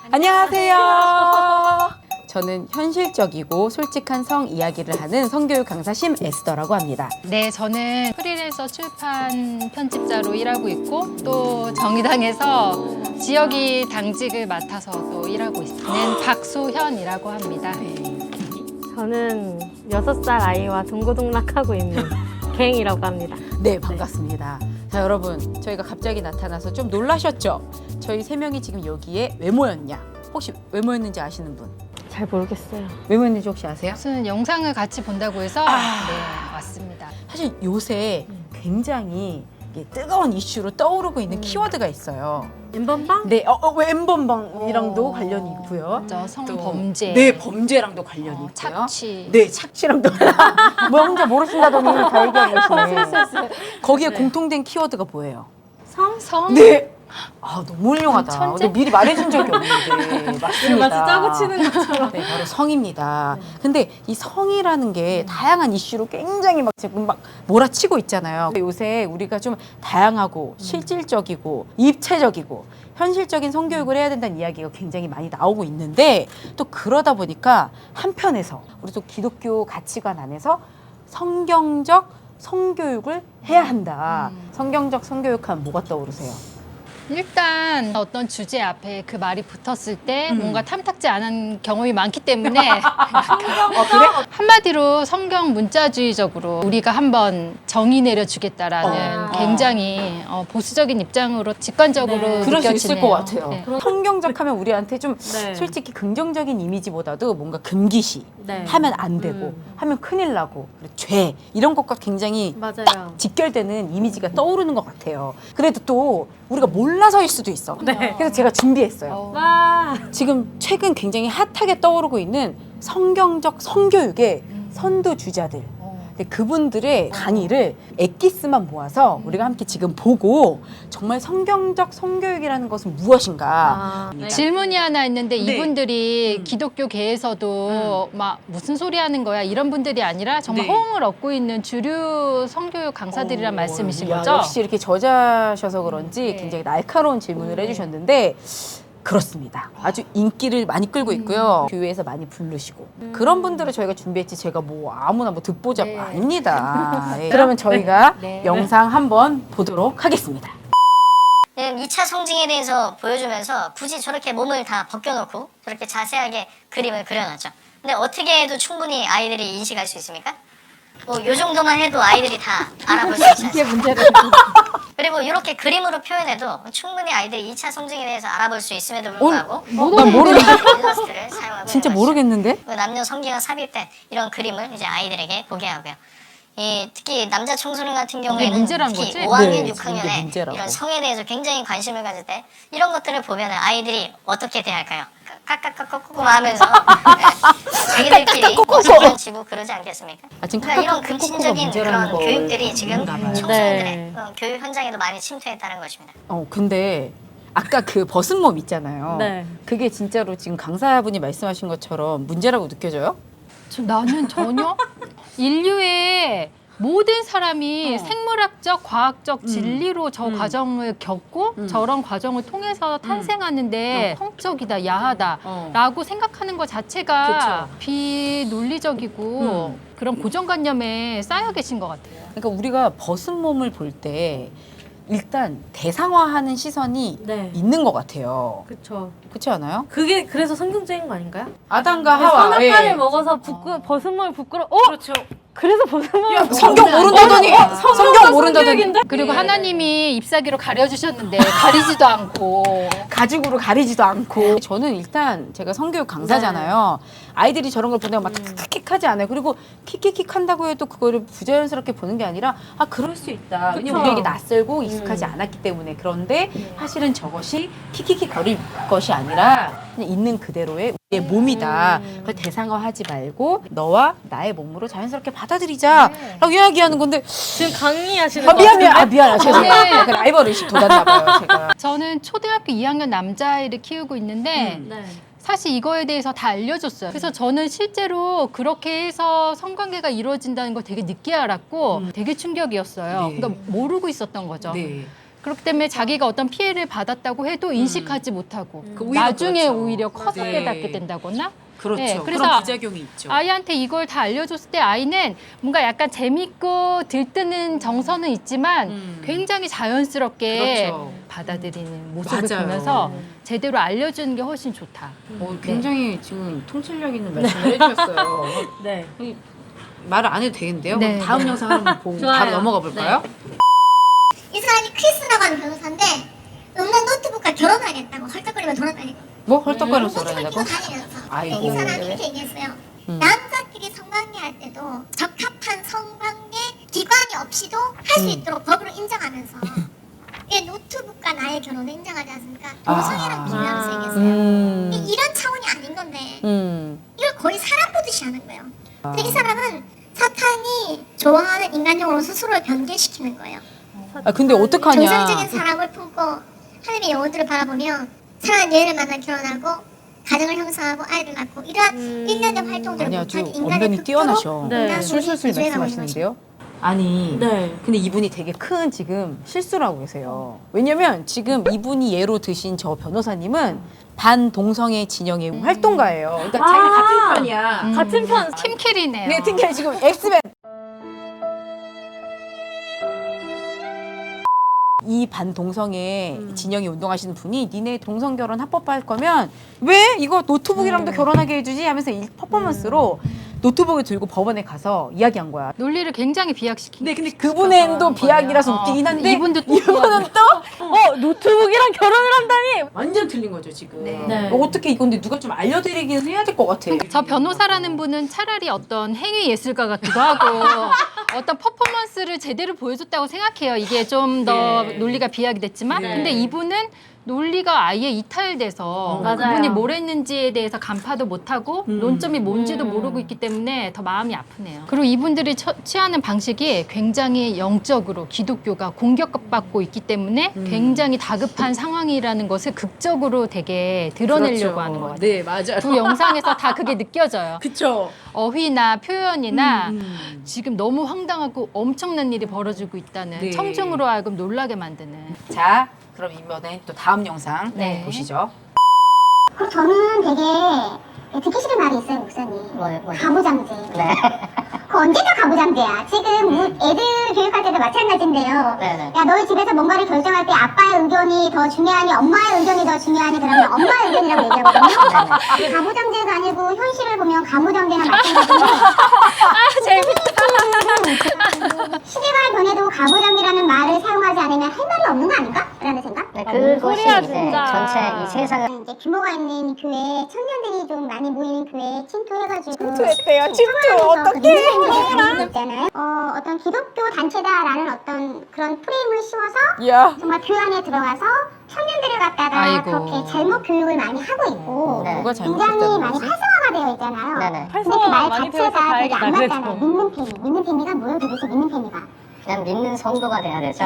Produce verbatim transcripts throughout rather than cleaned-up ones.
안녕하세요. 저는 현실적이고 솔직한 성 이야기를 하는 성교육 강사 심에스더라고 합니다. 네, 저는 프리랜서 출판 편집자로 일하고 있고 또 정의당에서 지역이 당직을 맡아서 또 일하고 있는 박소현이라고 합니다. 저는 여섯 살 아이와 동고동락하고 있는 갱이라고 합니다. 네, 반갑습니다. 자, 여러분, 저희가 갑자기 나타나서 좀 놀라셨죠? 저희 세 명이 지금 여기에 왜 모였냐? 혹시 왜 모였는지 아시는 분? 잘 모르겠어요. 왜 모였는지 혹시 아세요? 무슨 영상을 같이 본다고 해서 아. 네, 왔습니다. 사실 요새 굉장히 이게 뜨거운 이슈로 떠오르고 있는 음. 키워드가 있어요. 엠번방? 네, 어, 어, 왜 엠번방이랑도 어. 관련이 있고요. 저 성범죄, 네, 범죄랑도 관련이 어, 있고요. 착취. 네, 착취랑도. 뭐 혼자 모르신다더니 다 얘기하고 계시네. 거기에 네. 공통된 키워드가 뭐예요? 성? 성? 네. 아, 너무 훌륭하다. 천재? 근데 미리 말해준 적이 없는데. 맞습니다. 마치 짜고 치는 것처럼. 네, 바로 성입니다. 근데 이 성이라는 게 다양한 이슈로 굉장히 막 지금 막 몰아치고 있잖아요. 요새 우리가 좀 다양하고 실질적이고 입체적이고 현실적인 성교육을 해야 된다는 이야기가 굉장히 많이 나오고 있는데 또 그러다 보니까 한편에서 우리 또 기독교 가치관 안에서 성경적 성교육을 해야 한다. 성경적 성교육하면 뭐가 떠오르세요? 일단 어떤 주제 앞에 그 말이 붙었을 때 음. 뭔가 탐탁지 않은 경험이 많기 때문에 어, 그래? 한마디로 성경 문자주의적으로 우리가 한번 정의 내려주겠다라는 어. 굉장히 어, 보수적인 입장으로 직관적으로 네. 그럴 수 느껴지네요. 있을 것 같아요. 네. 성경적 하면 우리한테 좀 네. 솔직히 긍정적인 이미지보다도 뭔가 금기시, 네. 하면 안 되고, 음. 하면 큰일 나고, 그리고 죄 이런 것과 굉장히 맞아요. 직결되는 이미지가 떠오르는 것 같아요. 그래도 또 우리가 몰라서일 수도 있어. 네. 그래서 제가 준비했어요. 어. 와. 지금 최근 굉장히 핫하게 떠오르고 있는 성경적 성교육의 선두주자들. 어. 근데 그분들의 강의를 엑기스만 모아서 우리가 함께 지금 보고 정말 성경적 성교육이라는 것은 무엇인가. 아, 네. 질문이 하나 있는데 네. 이분들이 음. 기독교계에서도 막 무슨 소리 하는 거야 이런 분들이 아니라 정말 네. 호응을 얻고 있는 주류 성교육 강사들이란 어, 말씀이신 야, 거죠? 역시 이렇게 저자셔서 그런지 네. 굉장히 날카로운 질문을 네. 해주셨는데 그렇습니다. 아주 인기를 많이 끌고 있고요. 교회에서 많이 부르시고 그런 분들을 저희가 준비했지 제가 뭐 아무나 뭐 듣보잡 네. 아닙니다. 예. 그러면 저희가 네. 영상 한번 보도록 하겠습니다. 이 차 성징에 대해서 보여주면서 굳이 저렇게 몸을 다 벗겨놓고 저렇게 자세하게 그림을 그려놨죠. 근데 어떻게 해도 충분히 아이들이 인식할 수 있습니까? 뭐 요 정도만 해도 아이들이 다 알아볼 수 있지 않습니까? 문제를 그리고 이렇게 그림으로 표현해도 충분히 아이들이 이 차 성징에 대해서 알아볼 수 있음에도 불구하고 난 모르겠 일러스트를 사용하고 진짜 있는 것이죠. 모르겠는데? 그 남녀 성기가 삽입된 이런 그림을 이제 아이들에게 보게 하고요. 이 특히 남자 청소년 같은 경우에는 문제란 특히 거지? 오 학년, 네, 육 학년에 이게 문제라고. 이런 성에 대해서 굉장히 관심을 가질 때 이런 것들을 보면 아이들이 어떻게 대할까요? 까까까까꾸꾸 하면서 자기들끼리 장난치고 그러지 않겠습니까? 아, 지금 그러니까 이런 까까까꾸꾸가 금친적인 문제라는 그런 걸 교육들이 지금 모르나 봐요. 청소년들의 네. 어, 교육 현장에도 많이 침투했다는 것입니다. 어 근데 아까 그 벗은 몸 있잖아요. 네. 그게 진짜로 지금 강사분이 말씀하신 것처럼 문제라고 느껴져요? 저, 나는 전혀 인류의 모든 사람이 어. 생물학적, 과학적 음. 진리로 저 음. 과정을 겪고 음. 저런 과정을 통해서 탄생하는데 성적이다, 야하다 어. 라고 생각하는 것 자체가 그쵸. 비논리적이고 음. 그런 고정관념에 쌓여 계신 것 같아요. 그러니까 우리가 벗은 몸을 볼 때 일단 대상화하는 시선이 네. 있는 것 같아요. 그쵸. 그렇지 않아요? 그게 그래서 성경적인 거 아닌가요? 아담과 하와. 선악과를 예. 먹어서 부끄, 벗은 몸을 부끄러. 어? 그렇죠. 그래서 벗은 몸을 성경 모른다더니 어, 성경 모른다더니 성교육인데? 그리고 예. 하나님이 ip사귀로 가려주셨는데 가리지도 않고 가죽으로 가리지도 않고 저는 일단 제가 성교육 강사잖아요. 아이들이 저런 걸 보내면 막 킥킥하지 않아요. 그리고 킥킥킥 한다고 해도 그거를 부자연스럽게 보는 게 아니라 아 그럴 수 있다. 왜냐면 그쵸. 우리에게 낯설고 익숙하지 않았기 때문에. 그런데 사실은 저것이 킥킥킥 거릴 것이 아니라 그냥 있는 그대로의 우리의 몸이다. 그걸 대상화하지 말고 너와 나의 몸으로 자연스럽게 받아들이자 라고 이야기하는 건데 지금 강의하시는 아, 거 미안 미안 같은데? 아 미안 죄송해요. 저는- 약간 라이벌 의식 돋았나 봐요 제가. 저는 초등학교 이 학년 남자아이를 키우고 있는데 음. 네. 사실 이거에 대해서 다 알려줬어요. 그래서 저는 실제로 그렇게 해서 성관계가 이루어진다는 걸 되게 늦게 알았고 되게 충격이었어요. 네. 그러니까 모르고 있었던 거죠. 네. 그렇기 때문에 자기가 어떤 피해를 받았다고 해도 인식하지 못하고 그 오히려 나중에 그렇죠. 오히려 커서 네. 깨닫게 된다거나 그렇죠. 네, 그래서 그런 부작용이 있죠. 아이한테 이걸 다 알려줬을 때 아이는 뭔가 약간 재밌고 들뜨는 정서는 있지만 음. 굉장히 자연스럽게 그렇죠. 받아들이는 모습을 맞아요. 보면서 제대로 알려주는 게 훨씬 좋다. 어, 굉장히 지금 통찰력 있는 말씀을 해주셨어요. 네. 이, 말을 안 해도 되겠는데요? 네. 그럼 다음 영상 한번 보고 좋아요. 바로 넘어가 볼까요? 이 사람이 크리스라고 하는 변호사인데 없는 노트북과 결혼하겠다고 헐떡거리며 돌아다니고 뭐 헐떡거리면서 노트북을 그러냐고? 끼고 다니면서 아이고. 이 사람이 이렇게 얘기했어요. 음. 남자끼리 성관계할 때도 적합한 성관계 기관이 없이도 할 수 음. 있도록 법으로 인정하면서 이게 노트북과 나의 결혼을 인정하지 않습니까? 아. 도성이랑 비교하면서 얘기했어요. 음. 이- 이런 차원이 아닌 건데 음. 이걸 거의 사람 보듯이 하는 거예요. 근데 이 사람은 사탄이 좋아하는 인간적으로 스스로를 변개시키는 거예요. 아 근데 어떡하냐? 정상적인 사람을 품고 하나님의 영혼들을 바라보며 사랑하는 여인을 만나 결혼하고 가정을 형성하고 아이를 낳고 이러한 음. 일련의 활동들을 아니 아주 못한 인간의 언변이 뛰어나셔. 네. 술술술 말씀하시는데요. 아니, 네. 근데 이분이 되게 큰 지금 실수를 하고 계세요. 왜냐면 지금 이분이 예로 드신 저 변호사님은 반동성애 진영의 활동가예요. 그러니까 아. 자기가 같은 편이야. 음. 같은 편. 팀킬이네요. 네, 특히 지금 엑스맨. 이 반동성애 진영이 운동하시는 분이 니네 동성 결혼 합법화할 거면 왜 이거 노트북이랑도 결혼하게 해주지 하면서 이 퍼포먼스로 노트북을 들고 법원에 가서 이야기한 거야. 논리를 굉장히 비약시키고 네, 근데 그분의 또 비약이라서 어, 웃기긴 한데 이분도 또 이분은 또 어, 노트북이랑 결혼을 한다니. 완전 틀린 거죠 지금. 네. 어, 어떻게 이건데 누가 좀 알려드리긴 해야 될 것 같아. 저 변호사라는 분은 차라리 어떤 행위 예술가 같기도 하고 어떤 퍼포먼스를 제대로 보여줬다고 생각해요. 이게 좀 더 네. 논리가 비약이 됐지만 네. 근데 이분은 논리가 아예 이탈돼서 맞아요. 그분이 뭘 했는지에 대해서 간파도 못하고 음. 논점이 뭔지도 음. 모르고 있기 때문에 더 마음이 아프네요. 그리고 이분들이 처, 취하는 방식이 굉장히 영적으로 기독교가 공격받고 있기 때문에 음. 굉장히 다급한 상황이라는 것을 극적으로 되게 드러내려고 그렇죠. 하는 것 같아요. 네, 맞아요. 두 영상에서 다 그게 느껴져요. 그쵸. 어휘나 표현이나 음, 음. 지금 너무 황당하고 엄청난 일이 벌어지고 있다는 네. 청중으로 하여금 놀라게 만드는. 자, 그럼 이번에 또 다음 영상 네. 보시죠. 그리고 저는 되게 듣기 싫은 말이 있어요, 목사님. 뭐요? 뭐요? 가부장제. 네. 그 언제가 가부장제야? 지금 뭐 애들 교육할 때도 마찬가지인데요. 네네. 야, 너희 집에서 뭔가를 결정할 때 아빠의 의견이 더 중요하니 엄마의 의견이 더 중요하니 그러면 엄마의 의견이라고 얘기하거든요. 그 가부장제가 아니고 현실을 보면 가무장제나 마찬가지인데 아, 재밌다. 시대가 변해도 가부장제라는 말을 사용하지 않으면 할 말이 없는 거 아닌가? 라는 생각? 네, 아, 뭔 그것이 소리야, 이제 진짜. 전체 이 세상을 이제 규모가 있는 교회, 청년들이 좀 많이 모이는 교회에 침투해가지고 침투했대요. 침투. 어떻게 있잖아요. 어, 어떤 기독교 단체다라는 어떤 그런 프레임을 씌워서 야. 정말 교회 안에 들어가서 청년들을 갖다가 아이고. 그렇게 잘못 교육을 많이 하고 있고 네. 뭐가 굉장히 잘못됐다는 많이 거지? 활성화가 되어 있잖아요. 네네. 근데 그 말 많이 배워서 자체가 되게 다행이다, 안 그래도. 맞잖아요. 믿는 페미. 믿는 페미가 뭐예요 도대체 믿는 페미가? 그냥 믿는 성도가 돼야 되죠.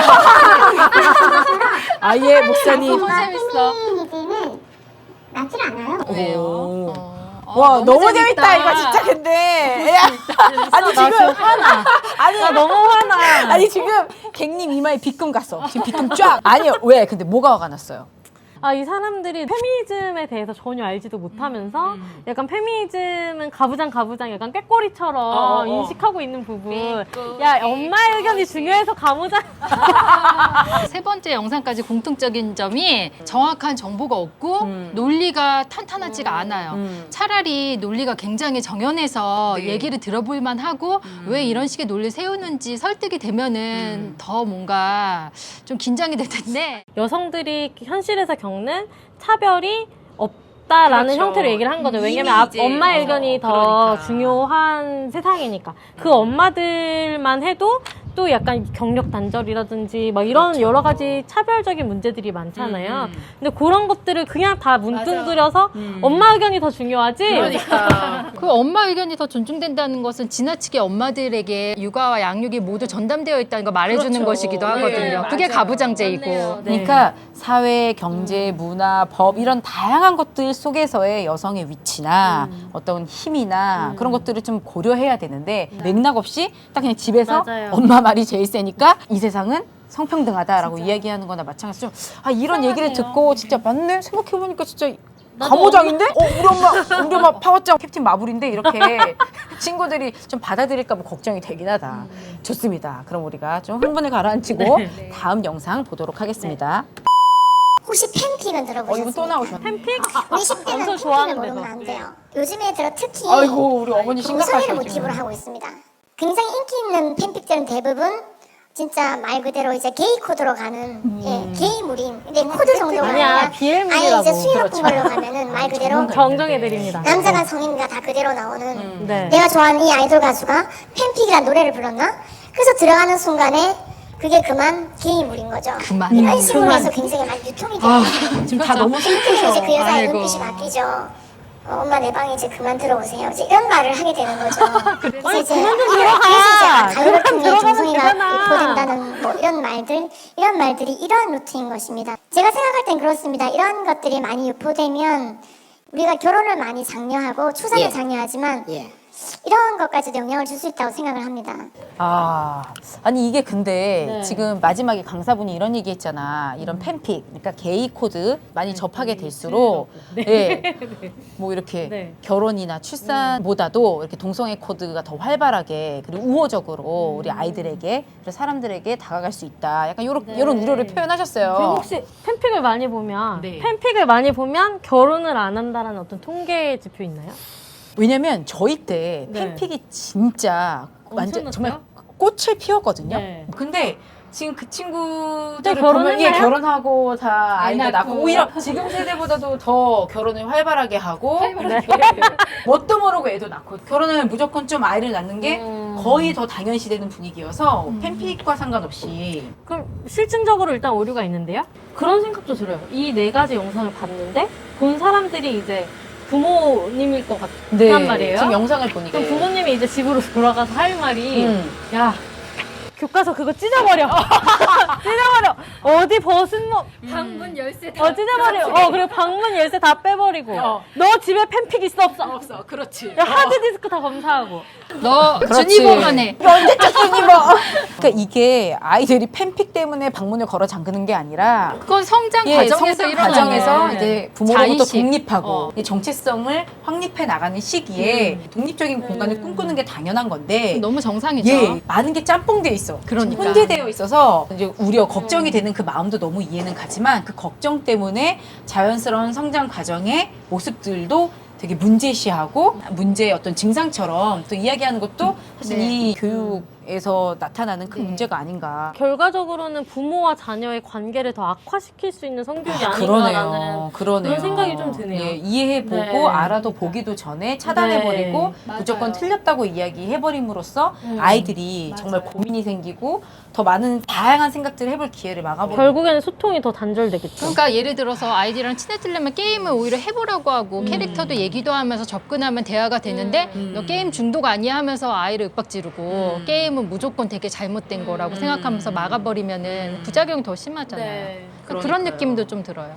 아예 목사님. 너무 재밌어. 페미니즘은 맞질 않아요. 오. 어, 와 너무, 재밌다. 이거 진짜 근데 야, 아니 나 지금 화나. 아니 나 너무 화나. 아니 지금 갱님 이마에 빗금 갔어. 지금 빗금 쫙. 아니요 왜? 근데 뭐가 화가 났어요? 아, 이 사람들이 페미니즘에 대해서 전혀 알지도 못하면서 음. 약간 페미니즘은 가부장 가부장 약간 꾀꼬리처럼 어, 어. 인식하고 있는 부분. 야, 엄마의 의견이 중요해서 가부장. 세 번째 영상까지 공통적인 점이 정확한 정보가 없고 음. 논리가 탄탄하지가 않아요. 음. 차라리 논리가 굉장히 정연해서 네. 얘기를 들어볼 만하고 왜 이런 식의 논리를 세우는지 설득이 되면은 음. 더 뭔가 좀 긴장이 될 텐데 여성들이 현실에서 겪는 차별이 없다라는 그렇죠. 형태로 얘기를 한 거죠. 이미 왜냐면 아, 이제, 엄마의 어, 의견이 더 그러니까. 중요한 세상이니까. 그 엄마들만 해도 또 약간 경력 단절이라든지 막 이런 그렇죠. 여러 가지 차별적인 문제들이 많잖아요. 음. 근데 그런 것들을 그냥 다 뭉뚱그려서 음. 엄마 의견이 더 중요하지. 그러니까. 그 엄마 의견이 더 존중된다는 것은 지나치게 엄마들에게 육아와 양육이 모두 전담되어 있다는 걸 말해주는 그렇죠. 것이기도 네, 하거든요. 그게 맞아요. 가부장제이고. 네. 그러니까 사회, 경제, 문화, 법 이런 다양한 것들 속에서의 여성의 위치나 어떤 힘이나 그런 것들을 좀 고려해야 되는데 맥락 없이 딱 그냥 집에서 맞아요. 엄마 말이 제일 세니까 이 세상은 성평등하다라고 이야기하는 거나 마찬가지로 아 이런 얘기를 이상하네요. 듣고 진짜 맞네 생각해보니까 진짜 가모장인데? 어 우리 엄마 우리 엄마 파워짱 캡틴 마블인데 이렇게 친구들이 좀 받아들일까 봐 걱정이 되긴 하다. 좋습니다. 그럼 우리가 좀 흥분을 가라앉히고 네. 다음 영상 보도록 하겠습니다. 혹시 팬픽은 어 이거 들어보셨습니까? 또 나오셨네. 팬픽? 우리 십 대는 엄청 팬픽을 좋아하는데도. 모르면 안 돼요. 요즘에 들어 특히 아이고 우리 어머니 동성애를 심각하셔 모티브로 지금. 하고 있습니다. 굉장히 인기 있는 팬픽들은 대부분 진짜 말 그대로 이제 게이 코드로 가는 예, 게이 무림. 근데 코드 정도가 아니야, 아니라 비엘물이라고. 아예 이제 수위 높은 그렇죠. 걸로 가면은 말 그대로 정정해드립니다. 남자가 성인가 다 그대로 나오는 네. 내가 좋아하는 이 아이돌 가수가 팬픽이란 노래를 불렀나? 그래서 들어가는 순간에 그게 그만 게이물인 거죠. 그만. 이런 식으로 그만. 해서 굉장히 많이 유통이 돼요. 지금 다 너무 그래서 슬프셔. 이제 그 여자의 아이고. 눈빛이 바뀌죠. 어, 엄마 내 방에 이제 그만 들어오세요. 이제 이런 말을 하게 되는 거죠. 그래서 아니, 이제 그만 좀 그래서 들어가. 이제 가을 같은 게 들어가면 정성이가 되잖아. 입고된다는 뭐 이런 말들, 이런 말들이 이런 루트인 것입니다. 제가 생각할 땐 그렇습니다. 이런 것들이 많이 유포되면 우리가 결혼을 많이 장려하고 출산을 예. 장려하지만 예. 이런 것까지도 영향을 줄 수 있다고 생각을 합니다. 아, 아니 이게 근데 네. 지금 마지막에 강사분이 이런 얘기했잖아. 이런 팬픽, 그러니까 게이 코드 많이 접하게 될수록, 네, 뭐 이렇게 네. 결혼이나 출산보다도 이렇게 동성애 코드가 더 활발하게 그리고 우호적으로 우리 아이들에게 그리고 사람들에게 다가갈 수 있다. 약간 요런 네. 요런 우려를 표현하셨어요. 그리고 혹시 팬픽을 많이 보면 네. 팬픽을 많이 보면 결혼을 안 한다라는 어떤 통계 지표 있나요? 왜냐면 저희 때 네. 팬픽이 진짜 완전 엄청났어요? 정말 꽃을 피웠거든요. 네. 근데 지금 그 친구들을 네, 보면 예, 결혼했나요? 결혼하고 다 아이가 낳고. 낳고 오히려 지금 세대보다도 더 결혼을 활발하게 하고 네. 뭣도 모르고 애도 낳고 결혼하면 무조건 좀 아이를 낳는 게 음. 거의 더 당연시되는 분위기여서 팬픽과 상관없이 그럼 실증적으로 일단 오류가 있는데요? 그런 생각도 들어요. 이 네 가지 영상을 봤는데 본 사람들이 이제 부모님일 것 같단 말이에요. 네, 지금 영상을 보니까 그럼 부모님이 이제 집으로 돌아가서 할 말이 음. 야 교과서 그거 찢어버려 찢어버려 어디 벗은 뭐 방문 열쇠 어 찢어버려 어 그리고 방문 열쇠 다 빼버리고 어. 너 집에 팬픽 있어 없어 없어 그렇지 야, 하드디스크 다 검사하고 너 그렇지. 준이보만 해. 언제적 준이보 그러니까 이게 아이들이 팬픽 때문에 방문을 걸어 잠그는 게 아니라 그건 성장 예, 과정에서 성장 일어나는 과정에서 거예요. 이제 부모로부터 자의식. 독립하고 어. 이 정체성을 확립해 나가는 시기에 독립적인 공간을 꿈꾸는 게 당연한 건데 너무 정상이죠. 예, 많은 게 짬뽕돼 있어. 그러니까. 혼재되어 있어서 이제 우려, 걱정이 되는 그 마음도 너무 이해는 가지만 그 걱정 때문에 자연스러운 성장 과정의 모습들도 되게 문제시하고 문제의 어떤 증상처럼 또 이야기하는 것도 사실 네. 이 교육에서 나타나는 큰 네. 문제가 아닌가. 결과적으로는 부모와 자녀의 관계를 더 악화시킬 수 있는 성교육이 아, 아닌가라는 그러네요. 그러네요. 그런 생각이 좀 드네요. 예, 이해해보고 네. 알아도 보기도 전에 차단해버리고 네. 무조건 맞아요. 틀렸다고 이야기해버림으로써 음. 아이들이 맞아요. 정말 고민이 생기고 더 많은 다양한 생각들을 해볼 기회를 막아버리고 결국에는 소통이 더 단절되겠죠. 그러니까 예를 들어서 아이들이랑 친해지려면 게임을 오히려 해보라고 하고 음. 캐릭터도 얘기도 하면서 접근하면 대화가 되는데 음. 너 게임 중독 아니야 하면서 아이를 윽박지르고 음. 게임은 무조건 되게 잘못된 거라고 음. 생각하면서 막아버리면은 음. 부작용이 더 심하잖아요. 네. 그런 그러니까요. 느낌도 좀 들어요.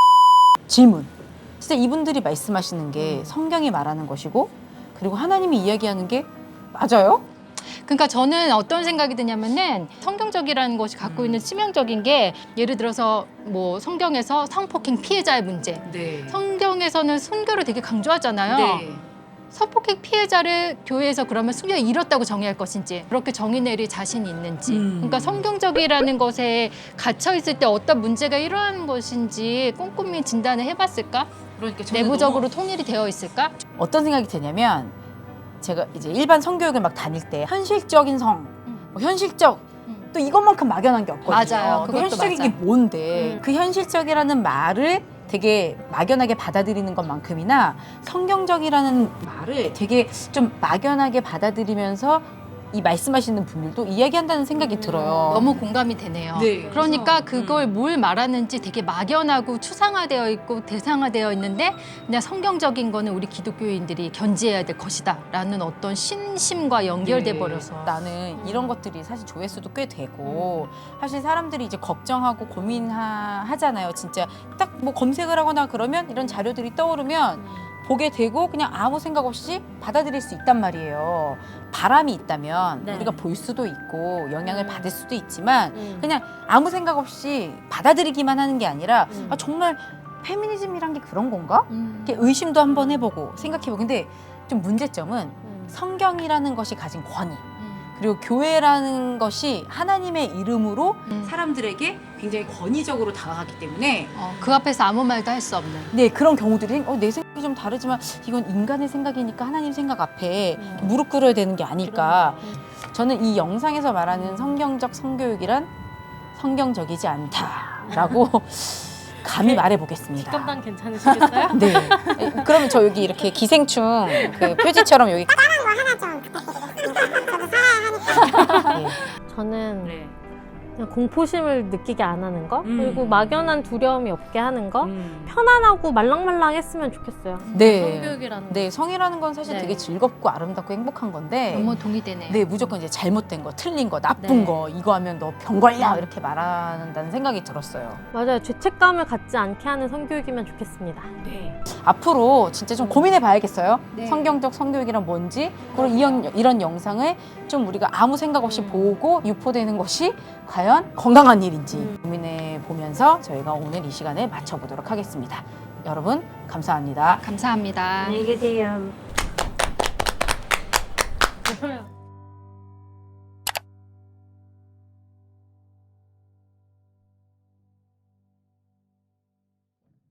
질문. 진짜 이분들이 말씀하시는 음. 게 성경이 말하는 것이고 그리고 하나님이 이야기하는 게 맞아요? 그러니까 저는 어떤 생각이 드냐면은 성경적이라는 것이 갖고 있는 치명적인 게 예를 들어서 뭐 성경에서 성폭행 피해자의 문제. 네. 성경에서는 순교를 되게 강조하잖아요. 네. 성폭행 피해자를 교회에서 그러면 순교에 이뤘다고 정의할 것인지 그렇게 정의 내릴 자신이 있는지 음. 그러니까 성경적이라는 것에 갇혀 있을 때 어떤 문제가 일어나는 것인지 꼼꼼히 진단을 해봤을까? 그러니까 저는 내부적으로 통일이 되어 있을까? 어떤 생각이 드냐면 제가 이제 일반 성교육을 막 다닐 때 현실적인 성, 음. 뭐 현실적 음. 또 이것만큼 막연한 게 없거든요. 맞아요. 그 그것도 현실적인 게 맞아. 뭔데 음. 그 현실적이라는 말을 되게 막연하게 받아들이는 것만큼이나 성경적이라는 말을 되게 좀 막연하게 받아들이면서 이 말씀하시는 분들도 이야기한다는 생각이 들어요. 너무 공감이 되네요. 네, 그러니까 그래서, 그걸 음. 뭘 말하는지 되게 막연하고 추상화되어 있고 대상화되어 있는데 그냥 성경적인 거는 우리 기독교인들이 견지해야 될 것이다 라는 어떤 신심과 연결돼 네. 버려서 나는 이런 것들이 사실 조회수도 꽤 되고 사실 사람들이 이제 걱정하고 고민하잖아요. 진짜 딱 뭐 검색을 하거나 그러면 이런 자료들이 떠오르면 보게 되고 그냥 아무 생각 없이 받아들일 수 있단 말이에요. 바람이 있다면 네. 우리가 볼 수도 있고 영향을 받을 수도 있지만 음. 그냥 아무 생각 없이 받아들이기만 하는 게 아니라 음. 아, 정말 페미니즘이란 게 그런 건가? 음. 이렇게 의심도 한번 해보고 생각해보고. 근데 좀 문제점은 음. 성경이라는 것이 가진 권위, 음. 그리고 교회라는 것이 하나님의 이름으로 음. 사람들에게 굉장히 권위적으로 다가가기 때문에 어, 그 앞에서 아무 말도 할 수 없는. 네, 그런 경우들이 어, 내 생각이 좀 다르지만 이건 인간의 생각이니까 하나님 생각 앞에 음. 무릎 꿇어야 되는 게 아닐까. 음. 저는 이 영상에서 말하는 성경적 성교육이란 성경적이지 않다라고 감히 말해보겠습니다. 직감당 괜찮으시겠어요? 네. 그러면 저 여기 이렇게 기생충 그 표지처럼 여기 네. 저는 네. 그냥 공포심을 느끼게 안 하는 거, 음. 그리고 막연한 두려움이 없게 하는 거, 음. 편안하고 말랑말랑했으면 좋겠어요. 네. 성교육이라는 네, 성이라는 건 사실 네. 되게 즐겁고 아름답고 행복한 건데 너무 동의되네요. 네, 무조건 이제 잘못된 거, 틀린 거, 나쁜 네. 거 이거 하면 너 병 걸려 이렇게 말한다는 생각이 들었어요. 맞아요. 죄책감을 갖지 않게 하는 성교육이면 좋겠습니다. 네. 앞으로 진짜 좀 고민해 봐야겠어요. 네. 성경적 성교육이란 뭔지, 그리고 이런, 이런 영상을 좀 우리가 아무 생각 없이 음. 보고 유포되는 것이 과연 건강한 일인지 음. 고민해 보면서 저희가 오늘 이 시간에 마쳐보도록 하겠습니다. 여러분, 감사합니다. 감사합니다. 계세요.